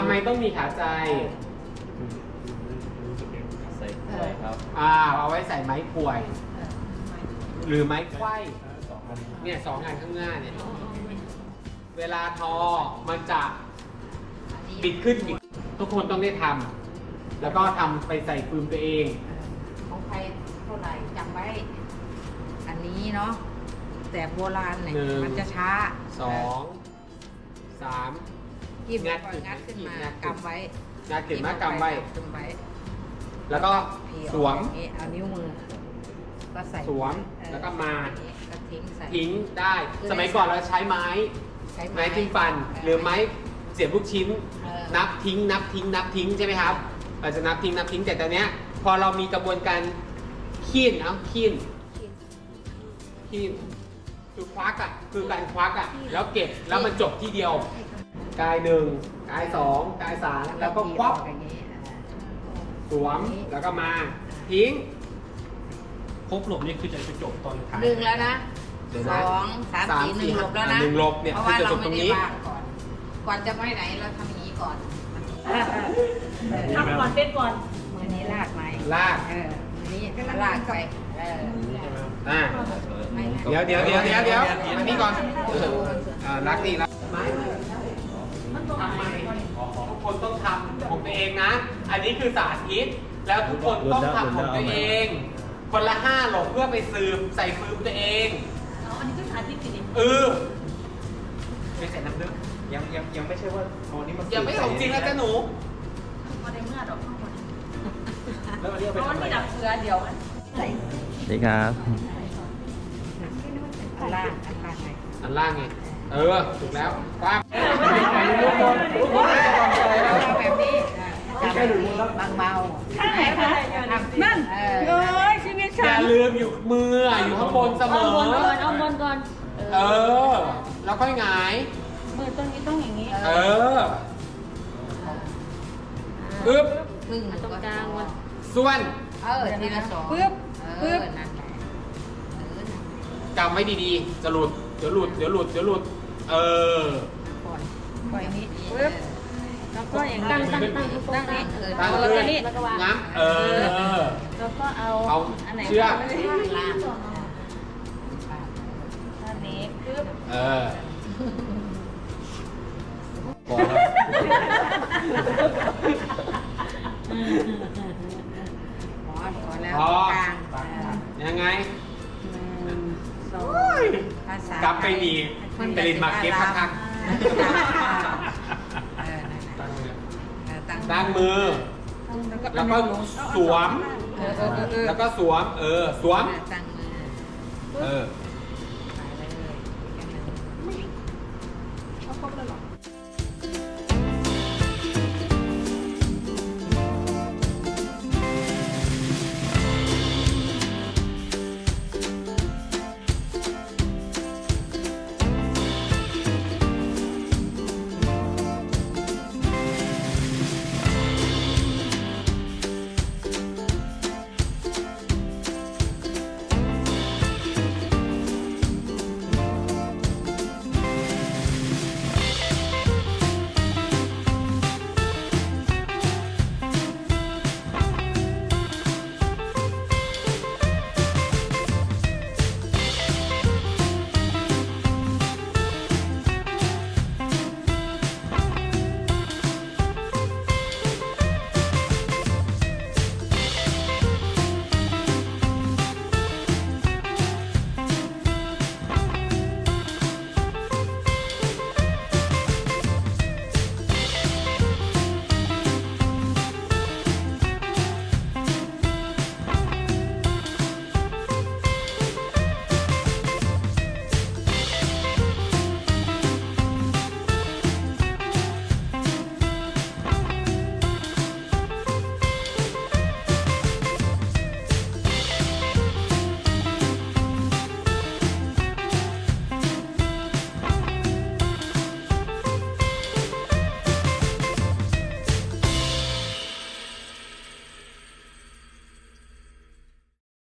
ำไมต้องมีขาใจใส่กล้วยครับเอาไว้ใส่ไม้กล้วย หรือไม้ไขว้เนี่ยสองอันข้างหน้าเนี่ยเวลาทอมันจะบิดขึ้นบิดทุกคนต้องได้ทำแล้วก็ทำไปใส่ฟืมตัวเองของใครเท่าไหร่จำไว้อันนี้เนาะแต่โบราณเนี่ยมันจะช้า 2 3 กีบงัดขึ้นมากำไว้งัดขึ้นมากำไว้แล้วก็สวมเอานิ้วมือก็ใส่สวมแล้วก็มาก็ทิ้งได้สมัยก่อนเราใช้ไม้จิ้มฟันหรือไม้เสียบลูกชิ้นนับทิ้งใช่ไหมครับเราจะนับทิ้งแต่ตอนเนี้ยพอเรามีกระบวนการคีนคือควักคือการควักแล้วเก็บแล้วมันจบที่เดียวกาย1กาย2กาย3แล้วก็ควักสวมแล้วก็มาทิ้งครบหลบนี่คือจะจบตอนท้าย 1แล้วนะ2 3 4 1หลบแล้วนะ 1หลบเนี่ยเพราะว่าเราไม่ได้วางก่อนจะไปไหนเราทำอย่างนี้ก่อนทำก่อนเต้นก่อนมือนี้ลากไหมลากมือนี้ลากไปเดี๋ยวอันนี้ก่อนรักดีรักทำไมทุกคนต้องทำของตัวเองนะอันนี้คือสาธิตแล้วทุกคนต้องทำของตัวเองคนละ5หลบเพื่อไปซื้อใส่ฟืมตัวเองอันนี้ก็สาธิตจริงไม่ใส่น้ำลึกยังไม่ใช่ว่านี้มันยังไม่ของจริงแล้วจ้ะหนูพอได้เมื่อดอกข้างบนแล้ววันนี้เอาไปทำอะไรดับเชื้อเดียวสวัสดีครับอันล่างไงถูกแล้วปั๊บแบบนี้บางเบานั่นชีวิตฉันอย่าลืมอยู่มืออยู่ข้างบนเสมอเอาบนก่อนแล้วค่อยหงายมือตรงนี้ต้องอย่างนี้อึ๊บตรงกลางวะส่วนทีละ2 ปึ๊บนั่นแหละกำไว้ดีๆจะหลุดเดี๋ยวหลุดปล่อยนี้ปึ๊บแล้วก็อย่างตั้งนี้แล้วก็งับแล้วก็เอาอันไหนเชือกล่างอันนี้ปึ๊บพอแล้วกลางยังไงกลับไปดีไปเรียนมาเก็บพักตั้งมือแล้วก็สวมสวม